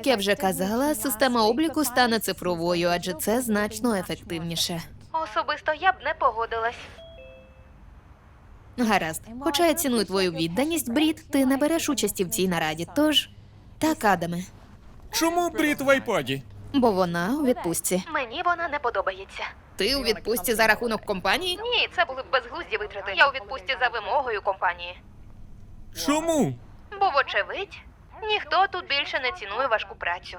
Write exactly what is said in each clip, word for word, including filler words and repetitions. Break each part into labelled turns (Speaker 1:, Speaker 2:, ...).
Speaker 1: Як я вже казала, система обліку стане цифровою, адже це значно ефективніше.
Speaker 2: Особисто я б не погодилась.
Speaker 1: Гаразд. Хоча я ціную твою відданість, Брід, ти не береш участі в цій нараді, тож... Так, Адаме.
Speaker 3: Чому Брід в айпаді?
Speaker 1: Бо вона у відпустці.
Speaker 2: Мені вона не подобається.
Speaker 1: Ти у відпустці за рахунок компанії?
Speaker 2: Ні, це були б безглузді витрати. Я у відпустці за вимогою компанії.
Speaker 3: Чому?
Speaker 2: Бо, вочевидь, ніхто тут більше не цінує важку працю.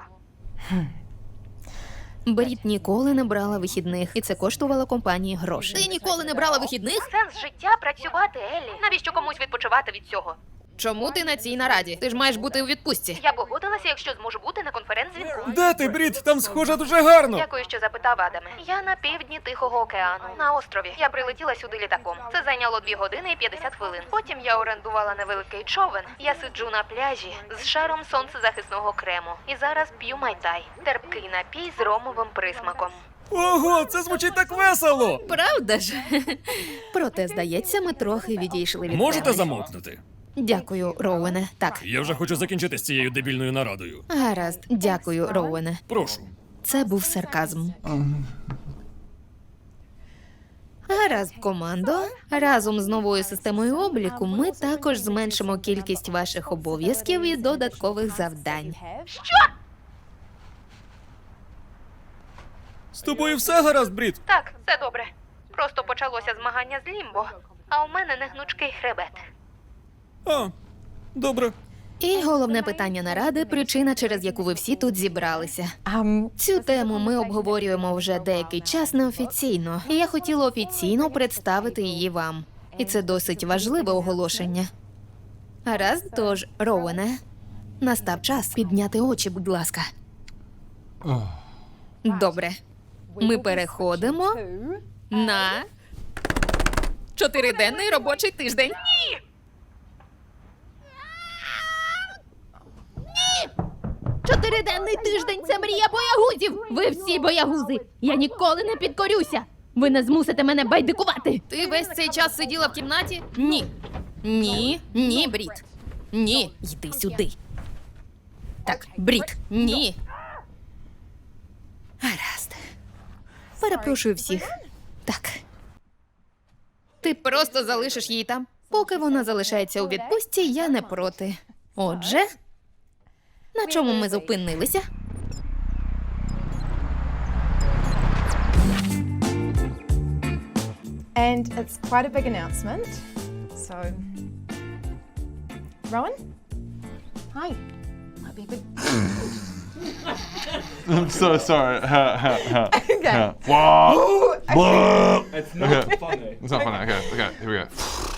Speaker 1: Брід ніколи не брала вихідних, і це коштувало компанії грошей. Ти ніколи не брала вихідних?
Speaker 2: Сенс життя – працювати, Еллі. Навіщо комусь відпочивати від цього?
Speaker 1: Чому ти на цій нараді? Ти ж маєш бути у відпустці.
Speaker 2: Я погодилася, якщо зможу бути на конференц-дзвінку.
Speaker 3: Де ти, Брід? Там схоже дуже гарно.
Speaker 2: Дякую, що запитав, Адаме. Я на півдні Тихого океану, на острові. Я прилетіла сюди літаком. Це зайняло дві години і п'ятдесят хвилин. Потім я орендувала невеликий човен. Я сиджу на пляжі з шаром сонцезахисного крему. І зараз п'ю майтай. Терпкий напій з ромовим присмаком.
Speaker 3: Ого, це звучить так весело!
Speaker 1: Правда ж? Проте, здається, ми трохи відійшли від
Speaker 3: Можете
Speaker 1: теми.
Speaker 3: замовкнути?
Speaker 1: Дякую, Роуене. Так,
Speaker 3: Я вже хочу закінчити з цією дебільною нарадою.
Speaker 1: гаразд. Дякую, Роуене.
Speaker 3: Прошу.
Speaker 1: Це був сарказм. Гаразд, командо. Разом з новою системою обліку ми також зменшимо кількість ваших обов'язків і додаткових завдань.
Speaker 3: З тобою все гаразд, Брід?
Speaker 2: Так, все добре. Просто почалося змагання з Лімбо, а у мене негнучкий хребет.
Speaker 3: А, добре.
Speaker 1: І головне питання наради – причина, через яку ви всі тут зібралися.
Speaker 4: Um,
Speaker 1: Цю тему ми обговорюємо вже деякий час неофіційно, і я хотіла офіційно представити її вам. І це досить важливе оголошення. Гаразд, тож, Роуене, настав час підняти очі, будь ласка. Добре. Ми переходимо на чотириденний робочий тиждень. Чотириденний тиждень – це мрія боягузів! Ви всі боягузи! Я ніколи не підкорюся! Ви не змусите мене байдикувати! Ти весь цей час сиділа в кімнаті? Ні. Ні, ні, Брід. Ні, йди сюди. Так, Брід, ні. Гаразд. Перепрошую всіх. Так. Ти просто залишиш її там? Поки вона залишається у відпустці, я не проти. Отже... На чому ми зупинилися?
Speaker 4: and it's quite a big announcement. So, Rowan? Hi. Might be a big...
Speaker 5: I'm so sorry.
Speaker 4: Okay.
Speaker 5: Wow.
Speaker 4: Ooh, okay.
Speaker 5: It's not funny. It's not funny. Okay, okay, here we go.